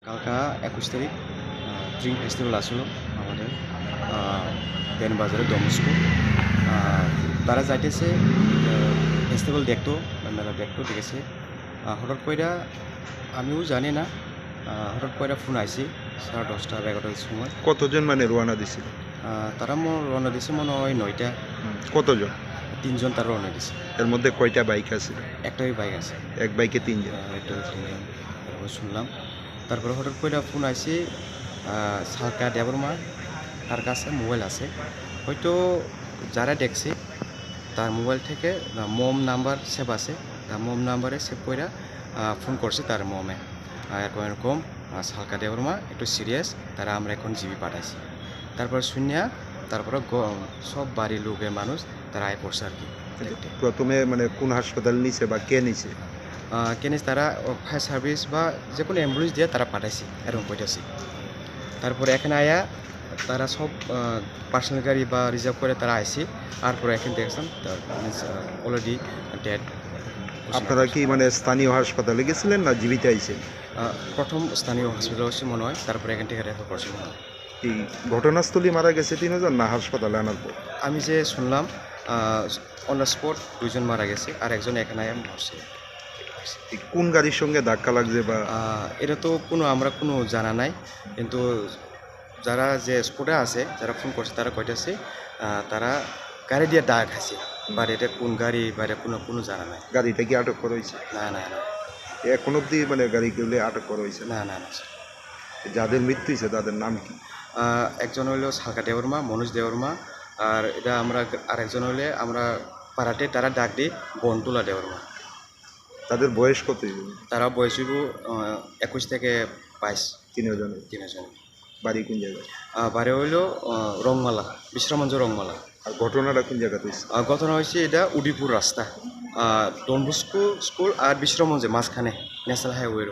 কালকা ২১ তারিখ dream festival আসলো আমাদের দেনবাজারে ডমস্কো। তারা যাইতেছে ফেস্টিভ্যাল দেখতো, মেলা দেখতো, ঠিক আছে। হঠাৎ কইরা আমিও জানি না, হঠাৎ কইরা ফোন আইসি 10:30 বা 11টার সময়। কতজন মানে রওনা দিছিল? তারা রওনা দিছে মনে হয় 9টা। কতজন? 3জন তারা রওনা দিছে। এর মধ্যে কয়টা বাইক আছে? একটাই বাইক আছে। এক বাইকে 3 জন? একটা 3জন তারপর শুনলাম। তারপরে হঠাৎ কইরা ফোন আইসি সালকা দেবরমা, তার কাছে মোবাইল আছে, হয়তো যারা দেখছে তার মোবাইল থেকে মম নাম্বার সেভ আছে, তার মম নাম্বারে সেভ কইরা ফোন করছে তার মমে, এরকম সালকা দেবরমা একটু সিরিয়াস, তারা আমরা এখন জিবি পাঠাইছি। তারপর শুনিয়া তারপরে সব বাড়ির লোকের মানুষ তারা আয় পড়ছে আর কি। প্রথমে মানে কোন হাসপাতাল নিছে বা কে নিছে? কেনে তারা ফায়ার সার্ভিস বা যে কোনো অ্যাম্বুলেন্স দিয়ে তারা পাঠাইছি, এরকম কইতেছি। তারপরে এখানে আয়া তারা সব পার্সোনাল গাড়ি বা রিজার্ভ করে তারা আইসি, তারপরে এখানে দেখছেন অলরেডি ডেড। আপনারা কি মানে স্থানীয় হাসপাতালে গেছিলেন না জীবিত আইছেন? প্রথম স্থানীয় হসপিটাল হচ্ছে মনে হয়, তারপরে এখান থেকে রেফার করছে মনে হয়। এই ঘটনাস্থলে মারা গেছে 3 জন না হাসপাতালে আনার পর? আমি যে শুনলাম অন দ্য স্পট 2 জন মারা গেছে, আর একজন এখানে আয়া মরছে। কোন গাড়ির সঙ্গে ধাক্কা লাগছে বা? এটা তো আমরা কোনো জানা নাই, কিন্তু যারা যে স্পটে আছে, যারা ফোন করছে তারা কইতেছে তারা গাড়ি দিয়ে ডাক খাইছে, বাট এটা কোন গাড়ি বা এটা কোনো জানা নাই। গাড়িটা কি আটক করা হয়েছে? না না না এখন অব্দি মানে গাড়িগুলো আটক করা হয়েছে? না না না। যাদের মৃত্যু হয়েছে তাদের নাম কি? একজন হইলো সালকা দেবরমা, মনোজ দেবরমা, আর এটা আরেকজন হইলে আমরা পাড়াতে তারা ডাক দিই বনতুলা দেবরমা। তাদের বয়স কত? তারা বয়স হইব 21 থেকে 22। 3জন? বাড়ি কোন জায়গায়? বাড়ি হইলো রংমালা, বিশ্রামঞ্জ রংমালা। আর ঘটনাটা কোন জায়গাতে হয়েছে? ঘটনা হয়েছে এটা উদিপুর রাস্তা, ডনবস্কো স্কুল আর বিশ্রামঞ্জে মাঝখানে ন্যাশনাল হাইওয়ের।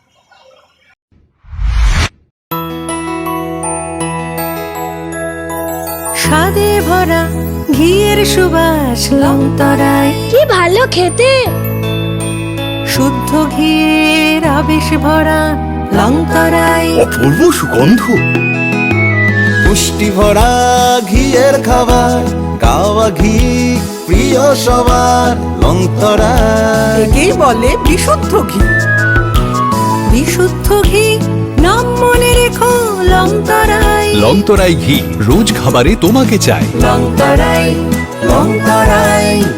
স্বাদে ভরা ঘিয়ের সুবাস লংতরায়, কি ভালো খেতে। শুদ্ধ ঘিয়ের আবেশ ভরা লংতরায়, অপূর্ব সুগন্ধ, পুষ্টি ভরা ঘিয়ের খাবার, গাওয়া ঘি প্রিয় সবার লংতরায়। একেই বলে বিশুদ্ধ ঘি। বিশুদ্ধ ঘি নাম মনে রেখো লংতরায়। লংতরাই ঘি রোজ খাবারে তোমাকে চাই। লংতরায়, লংতরায়।